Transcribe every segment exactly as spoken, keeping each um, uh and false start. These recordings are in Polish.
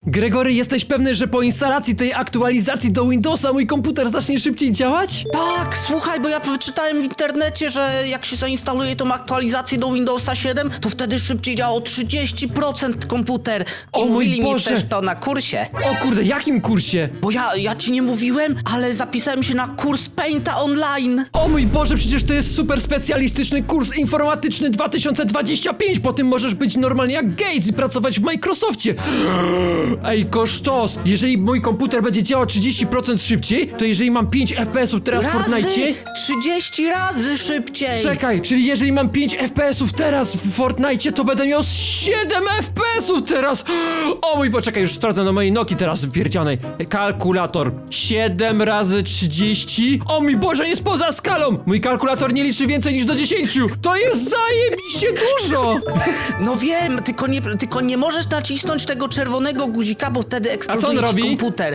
Gregory, jesteś pewny, że po instalacji tej aktualizacji do Windowsa mój komputer zacznie szybciej działać? Tak, słuchaj, bo ja przeczytałem w internecie, że jak się zainstaluje tą aktualizację do Windowsa siedem, to wtedy szybciej działa o trzydzieści procent komputer. I O mój mówili Boże! mi też to na kursie. O kurde, jakim kursie? Bo ja, ja ci nie mówiłem, ale zapisałem się na kurs Painta online. O mój Boże, przecież to jest super specjalistyczny kurs informatyczny dwa tysiące dwudziesty piąty. Po tym możesz być normalnie jak Gates i pracować w Microsoftie. Ej, kosztos! Jeżeli mój komputer będzie działał trzydzieści procent szybciej, to jeżeli mam pięć F P S ów teraz w Fortnite... trzydzieści razy szybciej. Czekaj, czyli jeżeli mam pięć F P S ów teraz w Fortnite, to będę miał siedem F P S ów teraz! O mój, poczekaj, już sprawdzam na mojej Nokii teraz wypierdzianej. Kalkulator. siedem razy trzydzieści. O mój Boże, jest poza skalą! Mój kalkulator nie liczy więcej niż do dziesięciu. To jest zajebiście dużo! No wiem, tylko nie, tylko nie możesz nacisnąć tego czerwonego guzika, bo wtedy eksploduje on ci robi? komputer.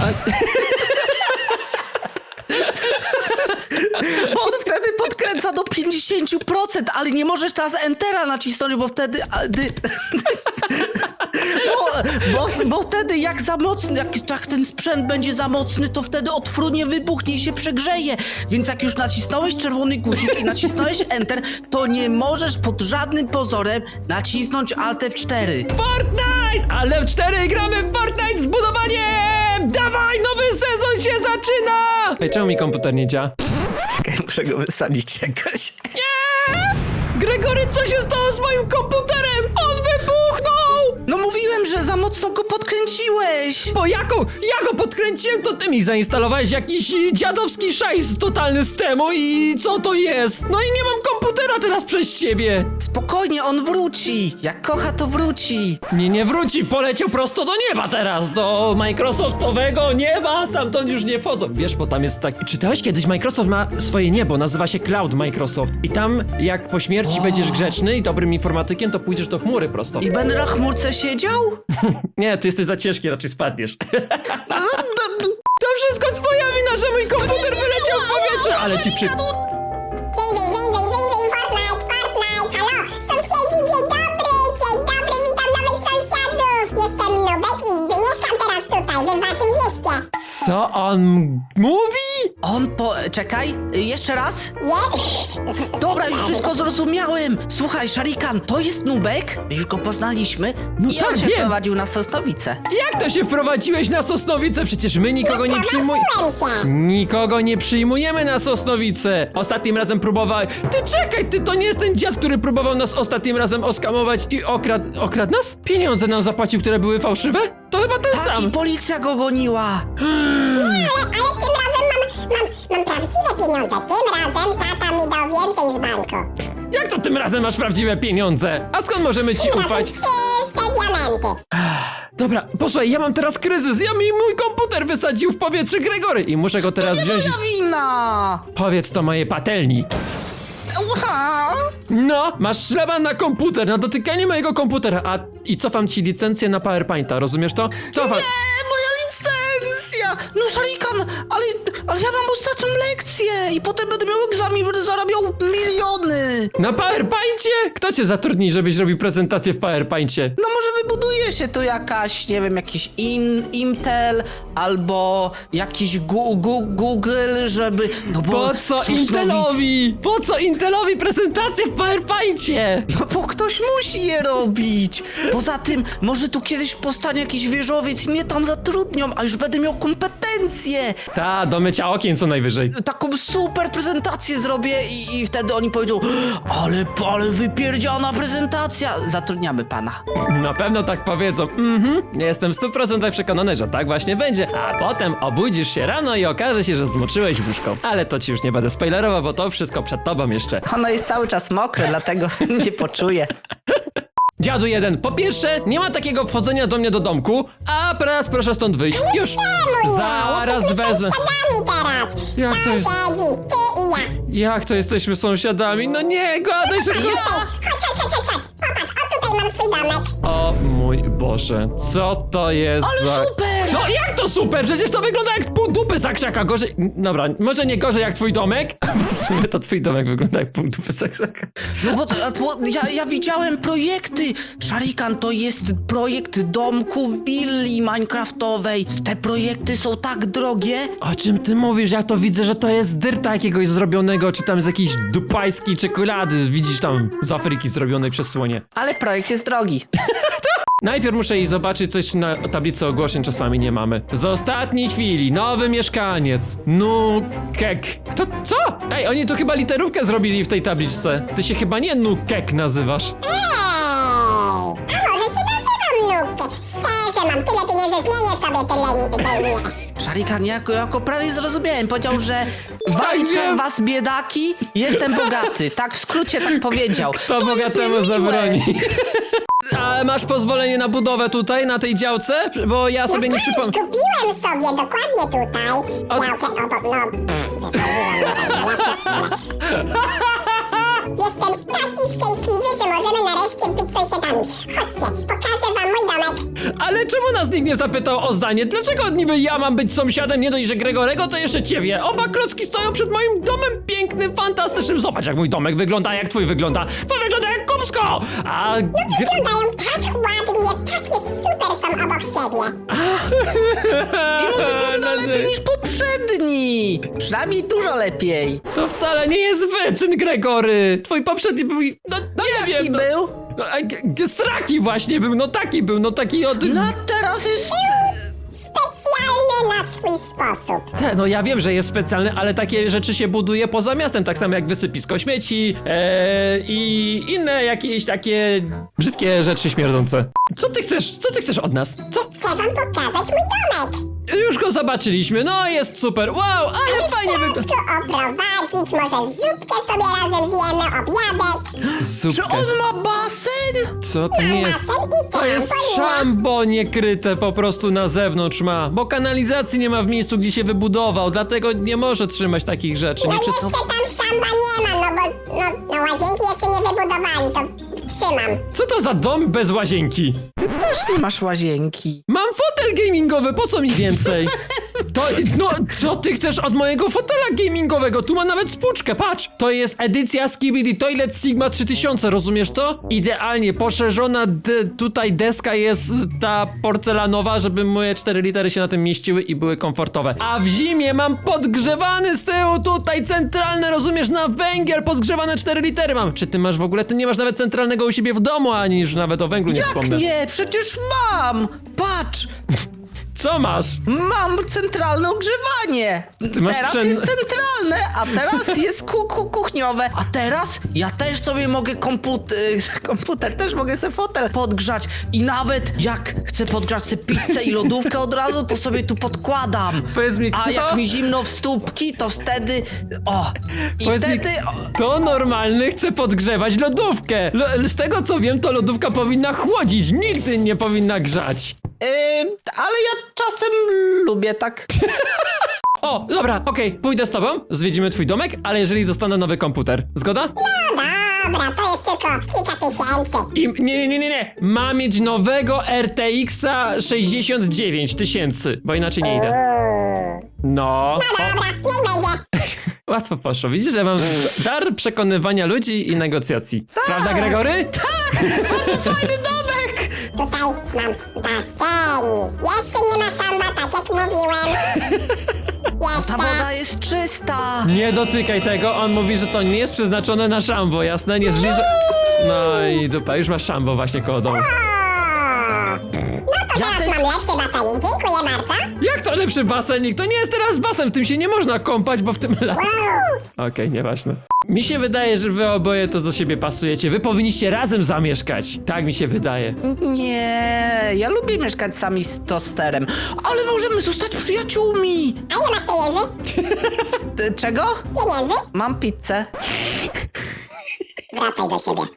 Bo on wtedy podkręca do pięćdziesiąt procent, ale nie możesz teraz Entera nacisnąć, bo wtedy... a, dy- Bo, bo, bo wtedy jak za mocny, jak, jak ten sprzęt będzie za mocny, to wtedy otwórnie wybuchnie i się przegrzeje. Więc jak już nacisnąłeś czerwony guzik i nacisnąłeś Enter, to nie możesz pod żadnym pozorem nacisnąć Alt F cztery. Fortnite! Ale w cztery gramy w Fortnite z budowaniem! Dawaj, nowy sezon się zaczyna! Ej, czemu mi komputer nie działa? Czekaj, muszę go wysadzić jakoś. Gregory, co się stało z moim komputerem? On wybuchnął! No mówiłem, że za mocno go podkręciłeś. Bo jaką, ja go podkręciłem, to ty mi zainstalowałeś jakiś dziadowski szajs totalny z temu i co to jest? No i nie mam komputera teraz przez ciebie. Spokojnie, on wróci. Jak kocha, to wróci. Nie, nie wróci, poleciał prosto do nieba teraz, do Microsoftowego nieba, stamtąd już nie wchodzą. Wiesz, bo tam jest tak... Czytałeś kiedyś, Microsoft ma swoje niebo, nazywa się Cloud Microsoft. I tam, jak po śmierci będziesz grzeczny i dobrym informatykiem, to pójdziesz do chmury prosto. I będę na chmurce siedział? Nie, ty jesteś za ciężki, raczej spadniesz. To wszystko twoja wina, że mój komputer wyleciał w powietrze, ale ci przy... Wyjrzyj, wyjrzyj, wyjrzyj, Fortnite, Fortnite, halo! Sąsiedzi, dzień dobry, dzień dobry, witam nowych sąsiadów! Jestem Nubek i mieszkam teraz tutaj, we waszym mieście. Co on mówi? On po... Czekaj, jeszcze raz? Je... Dobra, już wszystko zrozumiałem. Słuchaj, Sharikan, to jest Nubek. Już go poznaliśmy. No I tak, on się wiem. prowadził na Sosnowicę. Jak to się wprowadziłeś na Sosnowicę? Przecież my nikogo nie przyjmujemy. Prowadziłem się. Nikogo nie przyjmujemy na Sosnowicę. Ostatnim razem próbowałeś... Ty czekaj, ty to nie jest ten dziad, który próbował nas ostatnim razem oskamować i okradł... Okradł nas? Pieniądze nam zapłacił, które były fałszywe? To chyba ten Tak, i sam. policja go goniła. Ale, ale tym razem mam, mam, mam prawdziwe pieniądze. Tym razem tata mi dał więcej z banku. Jak to tym razem masz prawdziwe pieniądze? A skąd możemy ci Tym razem ufać? czyste diamenty. Dobra, posłuchaj, ja mam teraz kryzys. Ja mi mój komputer wysadził w powietrze Gregory i muszę go teraz Nie wziąć i... moja wina. Powiedz to mojej patelni. Ła. No, masz szlaban na komputer, na dotykanie mojego komputera, a i cofam ci licencję na PowerPointa, rozumiesz to? Cofam. Nie, moja licencja. No, Sharikan, ale, ale ja mam ostatnią lekcję i potem będę miał egzamin, będę zarabiał miliony. Na PowerPoincie? Kto cię zatrudni, żebyś robił prezentację w PowerPoincie? No może wybuduje się tu jakaś, nie wiem, jakiś in, Intel albo jakiś gu, gu, Google, żeby... No bo Po co Sosnowic- Intelowi? Po co Intelowi prezentację w PowerPoincie? No bo ktoś musi je robić. Poza tym, może tu kiedyś powstanie jakiś wieżowiec i mnie tam zatrudnią, a już będę miał kompetencje. Ta, do mycia okien co najwyżej. Taką super prezentację zrobię i, i wtedy oni powiedzą, ale, ale wypierdziana prezentacja. Zatrudniamy pana. Na pewno tak powiedzą. Mhm, jestem w stu procentach przekonany, że tak właśnie będzie. A potem obudzisz się rano i okaże się, że zmoczyłeś łóżko. Ale to ci już nie będę spoilerował, bo to wszystko przed tobą jeszcze. Ono jest cały czas mokre, dlatego nie poczuję. Dziadu jeden, po pierwsze, nie ma takiego wchodzenia do mnie do domku, a teraz proszę stąd wyjść. Już! Zaraz Jesteśmy wezmę. sąsiadami teraz. Jak to jest? Sąsiedzi, ty i ja. Jak to jesteśmy sąsiadami? No nie, gadaj, że... Chodź, chodź, chodź, chodź, chodź. Popatrz, o tutaj mam swój domek. O mój Boże, co to jest Ale za... super! Co Co? Jak to super? Przecież to wygląda jak pół dupy zakrzaka. Gorzej... Dobra, może nie gorzej jak twój domek? W sumie to twój domek wygląda jak pół dupy zakrzaka. No bo, bo ja, ja widziałem projekty. Szarikan, to jest projekt domku willi minecraftowej. Te projekty są tak drogie. O czym ty mówisz? Ja to widzę, że to jest z dyrta jakiegoś zrobionego, czy tam z jakiejś dupajskiej czekolady. Widzisz tam z Afryki zrobionej przez słonie. Ale projekt jest drogi. Najpierw muszę iść zobaczyć coś na tablicy ogłoszeń, czasami nie mamy. Z ostatniej chwili, nowy mieszkaniec. Nukek. Kto? Co? Ej, oni tu chyba literówkę zrobili w tej tabliczce. Ty się chyba nie Nukek nazywasz. Ej, a może się nazywam Nukę? Szczerze, mam tyle pieniędzy, zmienię sobie tyle tyle imię. Szarikan, jako, jako prawie zrozumiałem, powiedział, że walczę was biedaki, jestem bogaty. Tak w skrócie tak powiedział. Kto To jest bogatemu niemiłe. zabroni? A masz pozwolenie na budowę tutaj, na tej działce? Bo ja sobie nie przypomnę. Kupiłem sobie dokładnie tutaj Od- działkę obok, no... Jestem taki szczęśliwy, że możemy nareszcie być sąsiadami. Chodźcie, pokażę wam mój domek. Ale czemu nas nikt nie zapytał o zdanie? Dlaczego niby ja mam być sąsiadem, nie dość, że Gregorego, to jeszcze ciebie? Oba klocki stoją przed moim domem pięknym, fantastycznym. Zobacz, jak mój domek wygląda, jak twój wygląda. Twój wygląda jak kupsko! A... Gre- Wyglądają tak ładnie, takie super są obok siebie. I on wygląda lepiej niż poprzedni. Przynajmniej dużo lepiej. To wcale nie jest wyczyn, Gregory. Twój poprzedni był... No, No nie jaki wiem, no, był? No, a, g- g- straki właśnie był, no taki był, no taki od... No a teraz jest... Specjalny na swój sposób. Te, no ja wiem, że jest specjalny, ale takie rzeczy się buduje poza miastem, tak samo jak wysypisko śmieci e, i inne jakieś takie brzydkie rzeczy śmierdzące. Co ty chcesz? Co ty chcesz od nas? Co? Chcę wam pokazać mój domek. Już go zobaczyliśmy, no jest super, wow, ale fajnie wygląda. Wszystko oprowadzić, może zupkę sobie razem zjemy, obiadek. Czy Zupkę. on ma basen? Co to nie jest? Basen i To jest trampolina. szambo niekryte po prostu na zewnątrz ma, bo kanalizacji nie ma w miejscu, gdzie się wybudował, dlatego nie może trzymać takich rzeczy. No Nie jeszcze wszystko... tam szamba nie ma, no bo no, no łazienki jeszcze nie wybudowali, to trzymam. Co to za dom bez łazienki? Ty też nie masz łazienki. Mam fotel gamingowy, po co mi więcej? To, no, co ty chcesz od mojego fotela gamingowego? Tu ma nawet spłuczkę, patrz! To jest edycja Skibidi Toilet Sigma trzy tysiące, rozumiesz to? Idealnie, poszerzona de, tutaj deska jest ta porcelanowa, żeby moje cztery litery się na tym mieściły i były komfortowe. A w zimie mam podgrzewany z tyłu tutaj centralne, rozumiesz, na węgiel podgrzewane cztery litery mam. Czy ty masz w ogóle, ty nie masz nawet centralnego u siebie w domu, ani już nawet o węglu nie Jak wspomnę. nie? Przecież mam! Patrz! Co masz? Mam centralne ogrzewanie! Ty masz teraz przyn- jest centralne, a teraz jest ku ku kuchniowe. A teraz ja też sobie mogę komputer, komputer, też mogę sobie fotel podgrzać. I nawet jak chcę podgrzać sobie pizzę i lodówkę od razu, to sobie tu podkładam. Powiedz mi, A kto? jak mi zimno w stópki, to wtedy... O! I Powiedz mi, wtedy... O, kto normalny chce podgrzewać lodówkę? Lo- z tego co wiem, to lodówka powinna chłodzić, nigdy nie powinna grzać. Yy, ale ja czasem lubię tak. O, dobra, okej, pójdę z tobą, zwiedzimy twój domek, ale jeżeli dostanę nowy komputer. Zgoda? No dobra, to jest tylko kilka tysięcy. I nie, nie, nie, nie, nie. Ma mieć nowego R T X-a sześćdziesiąt dziewięć tysięcy, bo inaczej nie idę. No. No dobra, niech będzie. Łatwo poszło. Widzisz, że mam dar przekonywania ludzi i negocjacji. Prawda, Gregory? Bardzo fajny domek! Tutaj mam basenik. Jeszcze nie ma szamba, tak jak mówiłem. Ta Jeszcze. woda jest czysta! Nie dotykaj tego, on mówi, że to nie jest przeznaczone na szambo, jasne? Nie zbliża... No i dupa, już masz szambo właśnie koło domu. O! No to Ja teraz też- mam lepszy basenik. Dziękuję bardzo. Jak to lepszy basenik? To nie jest teraz basen, w tym się nie można kąpać, bo w tym... la- Wow. Okej, nieważne. Mi się wydaje, że wy oboje to do siebie pasujecie. Wy powinniście razem zamieszkać. Tak mi się wydaje. Nie, ja lubię mieszkać sami z tosterem, ale możemy zostać przyjaciółmi! A ile masz pieniędzy? Ty, czego? Pieniędzy? Mam pizzę. Wracaj do siebie.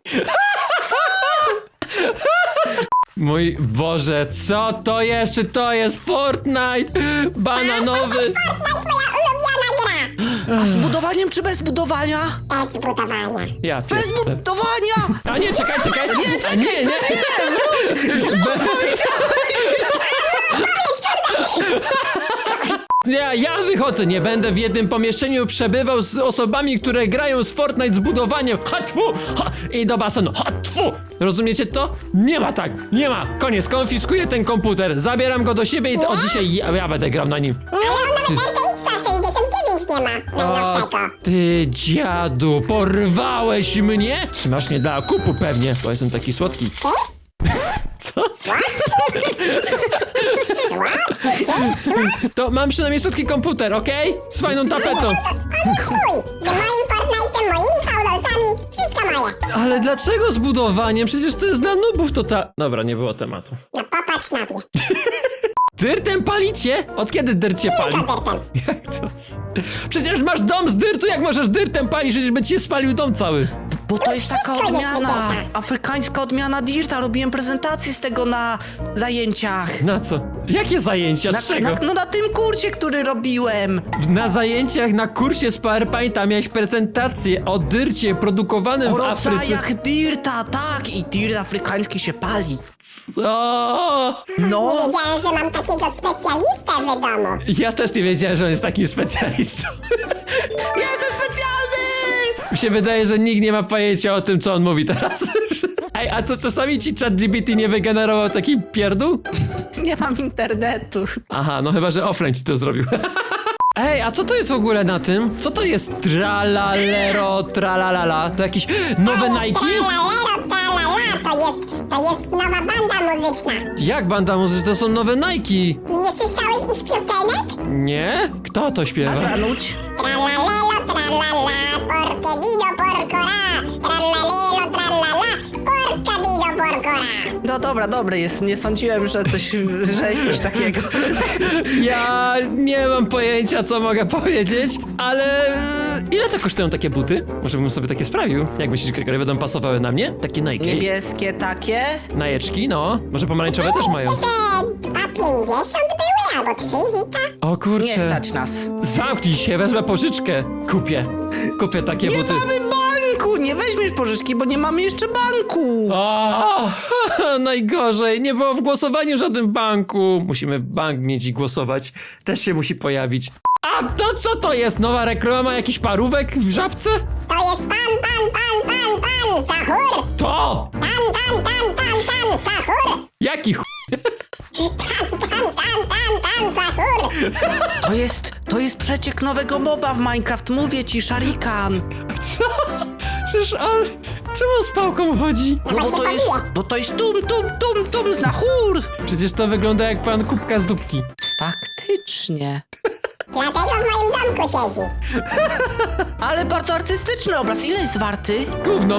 Mój Boże, co to jest? Czy to jest Fortnite? Bananowy... Fortnite, moja ulubiona gra. A z budowaniem czy bez budowania? Bez budowania. Ja Bez pierdolę. budowania! A nie, czekaj, czekaj. Nie, A czekaj, nie, nie. co ty nie, wróć! Źle powiedziałeś! Ja, ja wychodzę, nie będę w jednym pomieszczeniu przebywał z osobami, które grają z Fortnite z budowaniem. Ha, tfu, ha, i do basenu. Ha, tfu. Rozumiecie to? Nie ma tak, nie ma. Koniec, konfiskuję ten komputer, zabieram go do siebie i od dzisiaj ja, ja będę grał na nim. Ale on nawet R T X sześćdziesiąt dziewięć nie ma, najnowszego. Ty dziadu, porwałeś mnie? Trzymasz mnie dla okupu pewnie, bo jestem taki słodki. Ty? Co? Słodki, ty? To mam przynajmniej słodki komputer, okej? Z fajną tapetą. On chuj! Z moim Fortnite'em, moimi fałdolcami, wszystko moje. Ale dlaczego z budowaniem? Przecież to jest dla nubów to ta... Dobra, nie było tematu. No popatrz na mnie. Dyrtem palicie? Od kiedy dyrt się pali? Co dyrtem? Jak to? Przecież masz dom z dyrtu, jak możesz dyrtem palić? Przecież by ci się spalił dom cały. Bo to jest taka Wszystko jest odmiana, Dirta. afrykańska odmiana Dirta. Robiłem prezentację z tego na zajęciach. Na co? Jakie zajęcia? Na, Z czego? na, no na tym kursie, który robiłem. Na zajęciach na kursie z PowerPointa miałeś prezentację o dyrcie produkowanym O w Afryce. rodzajach Dirta, tak. I Dirt afrykański się pali. Co? No. Nie wiedziałem, że mam takiego specjalistę w domu. Ja też nie wiedziałem, że on jest takim specjalistą. Jestem specjalny! Mi się wydaje, że nikt nie ma pojęcia o tym, co on mówi teraz. Ej, a co czasami ci ChatGPT nie wygenerował taki pierdół? Nie mam internetu. Aha, no chyba, że offline ci to zrobił. Ej, a co to jest w ogóle na tym? Co to jest tralalero, tralalala? To jakieś nowe Nike? Tralalero, tralala, to jest, to jest nowa banda muzyczna. Jak banda muzyczna? To są nowe Nike. Nie słyszałeś ich piosenek? Nie? Kto to A śpiewa? zanuć? Tralalelo, tralala, porque dido porcora. Tralalelo, tralala, porca dido porcora. No dobra, dobry jest. Nie sądziłem, że coś, że jest coś takiego. Ja nie mam pojęcia, co mogę powiedzieć, ale e, ile to kosztują takie buty? Może bym sobie takie sprawił. Jak myślisz, Gregory, będą pasowały na mnie? Takie Nike. Niebieskie takie? Najeczki, no. Może pomarańczowe też mają. Myślę, że dwa pięćdziesiąt były, albo trzy zita. O Nie kurczę. stać nas. Zamknij się, wezmę pożyczkę. Kupię. Kupię takie Nie buty. mamy banku! Nie weźmiesz pożyczki, bo nie mamy jeszcze banku! O, najgorzej. Nie było w głosowaniu w żadnym banku. Musimy bank mieć i głosować. Też się musi pojawić. A to co to jest? Nowa reklama? Jakiś parówek w żabce? To jest pan, pan, pan, pan, pan, Sahur. To! Pan, pan, pan, pan, pan, Sahur. Jaki ch... Pan, pan, pan, pan, pan, Sahur. To jest, to jest przeciek nowego moba w Minecraft, mówię ci, Sharikan. Co? Przecież on... Czemu on z pałką chodzi? No bo to jest, bo to jest tum, tum, tum, tum, znachur. Przecież to wygląda jak pan kubka z dupki. Faktycznie. Dlatego w moim domku siedzi. Ale bardzo artystyczny obraz, ile jest warty? Gówno.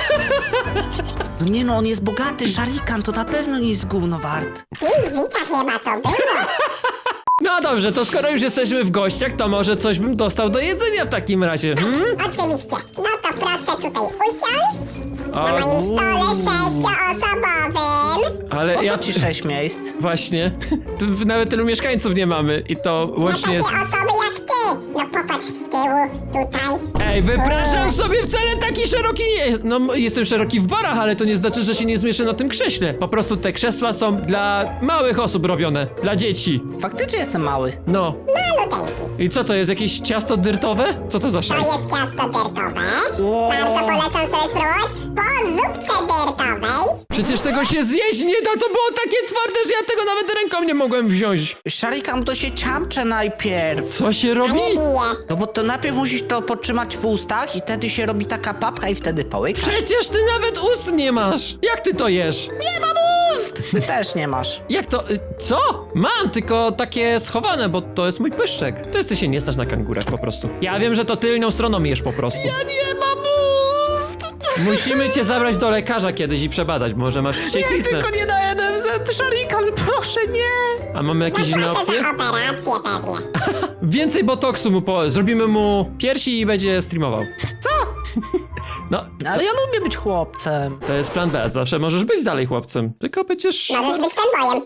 No nie no, on jest bogaty, Sharikan, to na pewno nie jest gówno wart. Pięć zita chyba to było. No dobrze, to skoro już jesteśmy w gościach, to może coś bym dostał do jedzenia w takim razie, hmm? Oczywiście. No to proszę tutaj usiąść. Na A, moim stole sześcioosobowym. Ale Po ja... co ci sześć miejsc? Właśnie. Tu nawet tylu mieszkańców nie mamy i to Na łącznie takie jest... osoby jak ty. No popatrz z tyłu, tutaj. Ej, wypraszam sobie, wcale taki szeroki nie... No, m- jestem szeroki w barach, ale to nie znaczy, że się nie zmieszczę na tym krześle. Po prostu te krzesła są dla małych osób robione. Dla dzieci. Faktycznie jestem mały. No. Maluteńki. I co to jest, jakieś ciasto dyrtowe? Co to za To szajs? jest ciasto dyrtowe. Wow. Bardzo polecam sobie spróbować po zupce dyrtowej. Przecież tego się zjeść nie da, to było takie twarde, że ja tego nawet ręką nie mogłem wziąć. Sharikan, to się ciamcze najpierw. Co się A robi? nie bije. No bo to najpierw musisz to potrzymać w ustach i wtedy się robi taka papka i wtedy połykasz. Przecież ty nawet ust nie masz! Jak ty to jesz? Nie mam ust! Ty też nie masz. Jak to? y, Co? Mam, tylko takie schowane, bo to jest mój pyszczek. To jest, ty się nie znasz na kangurach po prostu. Ja wiem, że to tylną stroną jesz po prostu. Ja nie mam ust! Musimy cię zabrać do lekarza kiedyś i przebadać, może masz Nie, ściekliznę. tylko nie na N F Z, Sharikan, proszę, nie! A mamy jakieś inne Zapłacę opcje? za operację pewnie. Więcej botoksu mu po... Zrobimy mu piersi i będzie streamował. Co? No, Ale ja lubię być chłopcem. to jest plan B. Zawsze możesz być dalej chłopcem. Tylko będziesz... Możesz być fanboyem.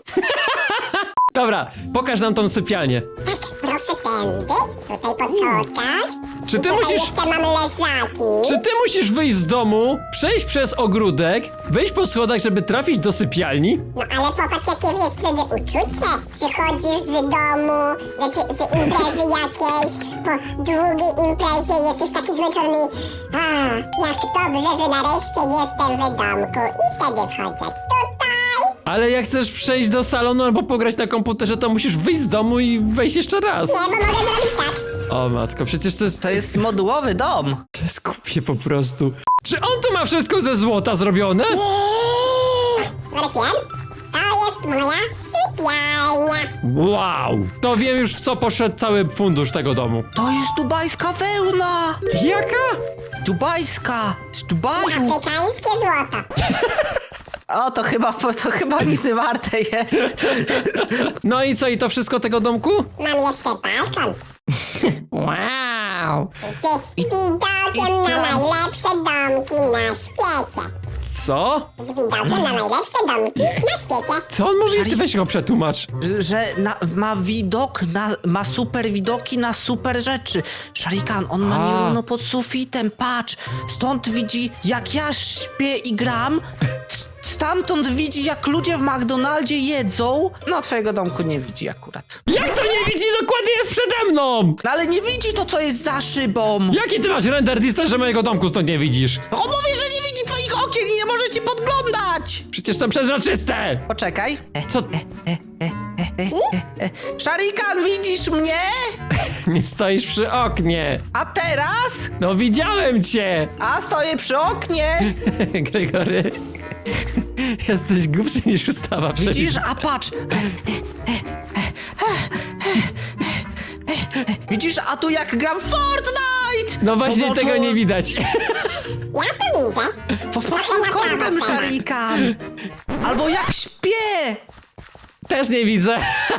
Dobra, pokaż nam tą sypialnię. Tak, proszę tędy. Tutaj po schodkach. Czy I ty tutaj musisz... jeszcze mamy leżaki. Czy ty musisz wyjść z domu, przejść przez ogródek, wejść po schodach, żeby trafić do sypialni? No ale popatrz, jakie jest wtedy uczucie. Przychodzisz z domu, znaczy z imprezy jakiejś, po długiej imprezie jesteś taki zmęczony. A, jak dobrze, że nareszcie jestem w domku. I wtedy wchodzę tutaj. Ale jak chcesz przejść do salonu albo pograć na komputerze, to musisz wyjść z domu i wejść jeszcze raz. Nie, bo mogę zrobić tak. O matko, przecież to jest... To jest modułowy dom. To jest głupie po prostu. Czy on tu ma wszystko ze złota zrobione? Wróciłem. To jest moja sypialnia. Wow! To wiem już, w co poszedł cały fundusz tego domu. To jest dubajska wełna. Jaka? Dubajska. Z Dubaju. Afrykańskie złoto. O, to chyba, to chyba nic nie warte jest. No i co, i to wszystko tego domku? Mam jeszcze balkon. Wow! Z widokiem na najlepsze domki na świecie. Co? Z widokiem na najlepsze domki na świecie. Co on mówi? Ty weź go przetłumacz. Że na, ma widok, na, ma super widoki na super rzeczy. Sharikan, on ma A. nierówno pod sufitem, patrz. Stąd widzi, jak ja śpię i gram. S- Stamtąd widzi, jak ludzie w McDonaldzie jedzą. No, twojego domku nie widzi akurat. Jak to nie widzi? Dokładnie jest przede mną! No, ale nie widzi to, co jest za szybą. Jaki ty masz render distance, że mojego domku stąd nie widzisz? O, mówię, że nie widzi twoich okien i nie może cię podglądać. Przecież są przezroczyste! Poczekaj. E, Co? Sharikan, widzisz mnie? Nie stoisz przy oknie. A teraz? No widziałem cię! A stoję przy oknie. Gregory, jesteś głupszy niż ustawa. Widzisz? A patrz. Widzisz? A tu jak gram w Fortnite! No właśnie To- to- tego nie widać. Ja to widzę. Po pod tym kątem, Sharikan. Albo jak śpię. Też nie widzę.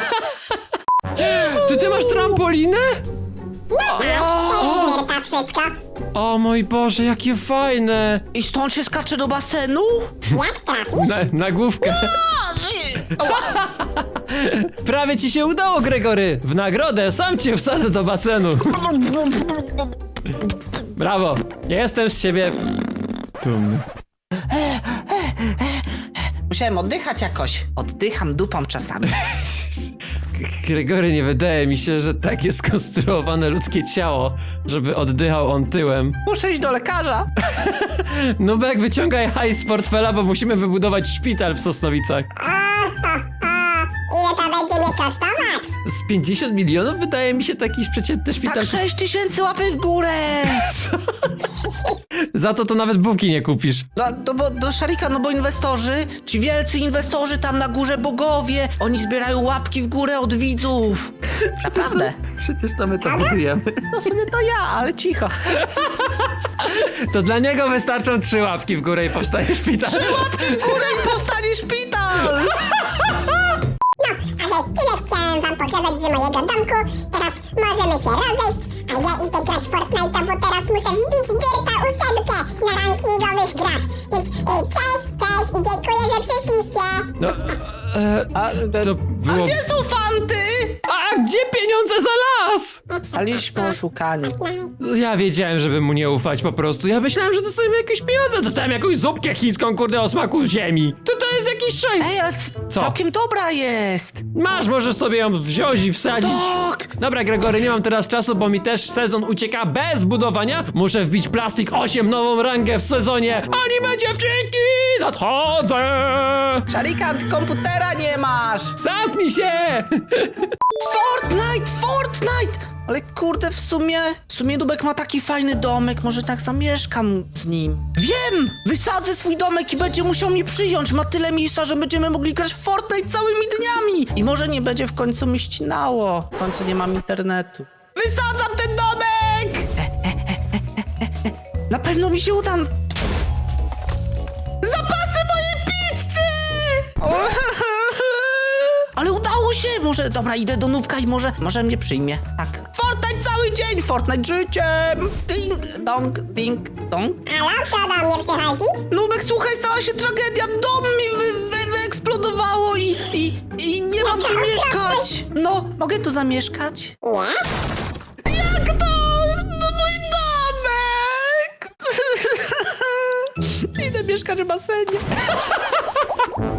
Ty, ty masz trampolinę? To jest Myrta wszystko. O mój Boże, jakie fajne. I stąd się skacze do basenu? Jak trafisz? Na, na główkę. Prawie ci się udało, Gregory. W nagrodę sam cię wsadzę do basenu. Brawo. Jestem z ciebie dumny. Musiałem oddychać jakoś. Oddycham dupą czasami. Gregory, nie wydaje mi się, że tak jest skonstruowane ludzkie ciało, żeby oddychał on tyłem. Muszę iść do lekarza. Nubek, wyciągaj hajs z portfela, bo musimy wybudować szpital w Sosnowicach. O, o, o. Ile to będzie mnie kosztować? Z pięćdziesiąt milionów wydaje mi się taki przeciętny szpital. Tak sześć tysięcy łapy w górę. Za to to nawet bułki nie kupisz. No, no bo do Szarika, no bo inwestorzy, ci wielcy inwestorzy tam na górze, bogowie, oni zbierają łapki w górę od widzów. Naprawdę. Przecież to my to budujemy. No w sumie to ja, ale cicho. To dla niego wystarczą trzy łapki w górę i powstaje szpital. Łapki w górę i powstanie szpital. No, ale tyle chciałem wam pokazać z mojego domku. Teraz możemy się rozejść, a ja idę grać w Fortnite'a, bo teraz muszę wbić Dyrta ósemkę na rankingowych grach. Więc y, cześć, cześć i dziękuję, że przyszliście. No, e, A, to a było... gdzie są fanty? A gdzie pieniądze za las? Staliśmy oszukani. Ja wiedziałem, żeby mu nie ufać po prostu. Ja myślałem, że dostajemy jakieś pieniądze. Dostałem jakąś zupkę chińską, kurde, o smaku ziemi. To to jest jakiś szajs. Ej, ale c- Co? całkiem dobra jest. Masz, możesz sobie ją wziąć i wsadzić. Tak. Dobra, Gregory, nie mam teraz czasu, bo mi też sezon ucieka bez budowania. Muszę wbić Plastik osiem, nową rangę w sezonie. Anime dziewczynki, nadchodzę! Szarikan, komputera nie masz. Zamknij się! Fortnite, Fortnite! Ale kurde, w sumie, w sumie Dubek ma taki fajny domek, może tak zamieszkam z nim. Wiem! Wysadzę swój domek i będzie musiał mnie przyjąć. Ma tyle miejsca, że będziemy mogli grać w Fortnite całymi dniami. I może nie będzie w końcu mi ścinało. W końcu nie mam internetu. Wysadzam ten domek! Na pewno mi się uda. Zapasy mojej pizzy! Ale udało się! Może, dobra, idę do Nubka i może, może mnie przyjmie. Tak. Fortnite cały dzień! Fortnite życiem! Ding, dong, ding, dong. Halo, kto do mnie przychodzi? Nubek, słuchaj, stała się tragedia. Dom mi wy, wy, wyeksplodowało i, i, i nie mam tu mieszkać. No, mogę tu zamieszkać? Nie? Jak to? No, mój mieszkać w basenie.